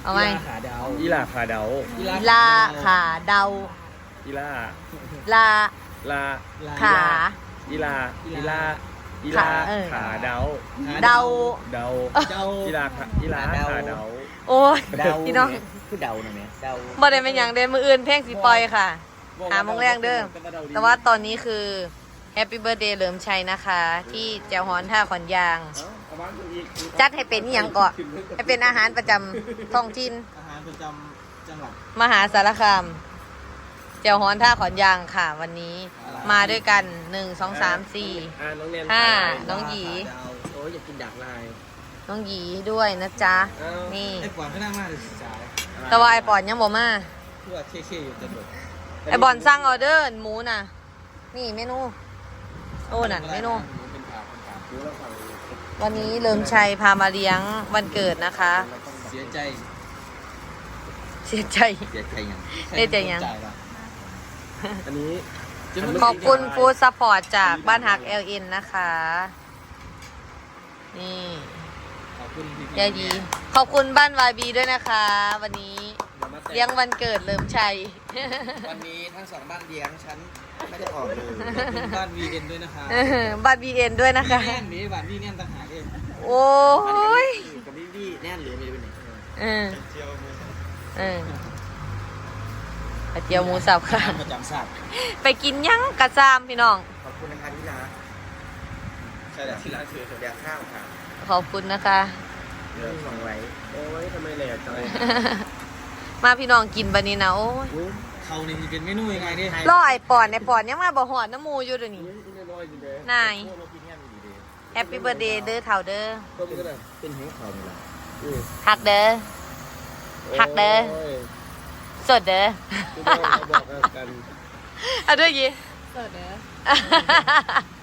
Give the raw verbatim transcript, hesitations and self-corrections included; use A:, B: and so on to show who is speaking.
A: เอาไหม
B: ขาดาว
C: อีลาขาเดา
A: อีลาขาเดา
C: อีลา
A: ลา
C: ลา
A: ขา
C: อีลาอีลาอี
A: ขา
C: ลา
A: เออ
C: ขาเดา
A: เดา
C: เดา
B: เดา
C: อีลาขาอีลาขาเดา
A: โอ้ย
B: เดา
A: พี่น้อง
B: คือเดาหน่อยไหมเดา
A: บ่ได้เป็นอย่างเดินมืออื่นเพลงสีปล่อยค่ะ หาโมงแรงเด้อแต่ว่าตอนนี้คือแฮปปี้เบิร์ a เดย์เหลิมชัยนะคะ ที่แจวฮอนท่าขอนยาง จัดให้เป็นอหย่างก่อนให้เป็นอาหารประจำท้องถิ่น
B: อาหารประจำจังหวัด
A: มหาสารคามแจวฮอนท่าขอนยางค่ะ วันนี้มาด้วยกันหนึ่งสองสามสี่
C: อ่าน้องเนน
A: ห้า
C: ขาย
A: น้องหยี
B: เดาโอ้ยอยากกินดักลาย
A: น้องหยีด้วยนะจ๊ะ
C: อ้าว
A: นี่
B: ไอ้ปอนก็น่ามากเลยสาย
A: แต่ว่าไอปอนยังบ่มา
B: เพื่อเท่ๆอยู่จนหมด
A: ไอบอลสั่งออเดอร์หมูน่ะ นี่เมนูโอ้นั่นเมนู
B: เป็นขาเป็นขา
C: ดูแล้วฝั่ง
A: วันนี้เลิมชัยพามาเลี้ยงวันเกิดนะคะ
B: เสียใจ
A: เสียใจ
B: เสียใจยัง
A: เสียใจยัง
C: อันนี้
A: ขอบคุณฟู้ดซัพพอร์ตจากบ้านหัก แอล เอ็น นะคะ นี่
B: ขอบคุณพี่
A: ยายดี ขอบคุณบ้านวายบีด้วยนะคะ วันนี้เลี้ยงวันเกิดเลิมชัย
B: วันนี้ทั้งสองบ้านเลี้ยงฉันไม่ได้ออกเลยขอบคุณบ้านวีเอ็นด้วยนะคะ
A: บ้านบีเอ็นด้วยนะคะ
B: แน่นนี้บ้านวีแน่นต่างหากเอง
A: โอ้ย
B: กับวีวีแน่นหรือไม่รู้เป็นไหน
A: เออเออเจียวหมูสับค่ะ
B: ประจำศาสตร์
A: ไปกินยังกระซามพี่น้อง
B: ขอบคุณนะคะที่รักใช่แล้วที่รักคือเดี๋ยวข้าวค่ะ
A: ขอบคุณนะคะ
B: เรื่องของไว้
C: โอ้ยทำไมแหลกจังเลย
A: มาพี่น้องกินบันนี้นะโอ้ย
C: อุ้ย
B: เขานี่เป็นเมนูยังไงดิ
A: รอไอปอนไอปอนยังมาบ่หอดน้ำมูอยู่เดี๋ยวนี้
C: อุ้ยนี่น้อยจริงเลย
A: นาย
B: พวกเรากินแง่ดีดี
A: แฮปปี้เบิร์ดเดย์เด้อเถ่าเด้อ
C: ต้มก็ได้
B: เป็นหัวเขาเนี่ยแหละ
C: อืม
A: หักเด้อ หักเด้อ
C: โย
A: สดเด้อ
C: พี่น้องเขาบอกกัน
A: เอาด้วยยี
D: สดเด้อ